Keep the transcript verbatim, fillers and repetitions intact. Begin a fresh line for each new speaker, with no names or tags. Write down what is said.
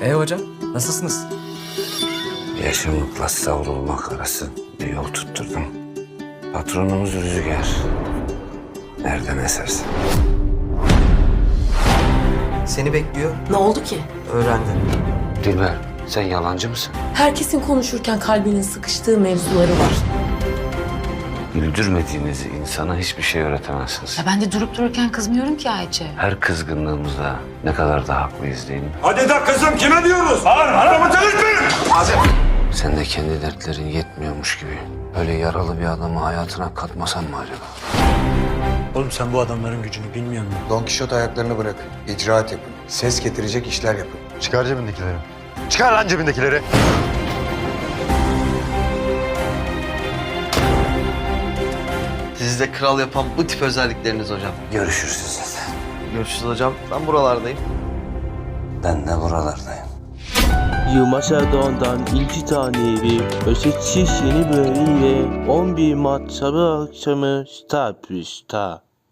E hocam, nasılsınız?
Yaşamakla savrulmak arası bir yol tutturdum. Patronumuz Rüzgar. Nereden eserse.
Seni bekliyor.
Ne oldu ki?
Öğrendin.
Dilber, sen yalancı mısın?
Herkesin konuşurken kalbinin sıkıştığı mevzuları var.
Güldürmediğiniz insana hiçbir şey öğretemezsiniz.
Ya ben de durup dururken kızmıyorum ki Ayça.
Her kızgınlığımızda ne kadar da haklıyız değil mi?
Hadi de kızım kime diyorsunuz? Bağır, adamı delirtmeyin!
Sen de kendi dertlerin yetmiyormuş gibi öyle yaralı bir adamı hayatına katmasan mı acaba?
Oğlum sen bu adamların gücünü bilmiyor musun?
Don Kişot ayaklarını bırak. İcraat yapın. Ses getirecek işler yapın.
Çıkar cebindekileri. Çıkar lan cebindekileri.
Sizi de kral yapan bu tip özellikleriniz hocam.
Görüşürüz zaten.
Görüşürüz hocam. Ben buralardayım.
Ben de buralardayım.
Yumaşadon'dan iki taneyi Ösetsiz yeni bölümle on bir Mart Salı akşamı Star Plus'ta.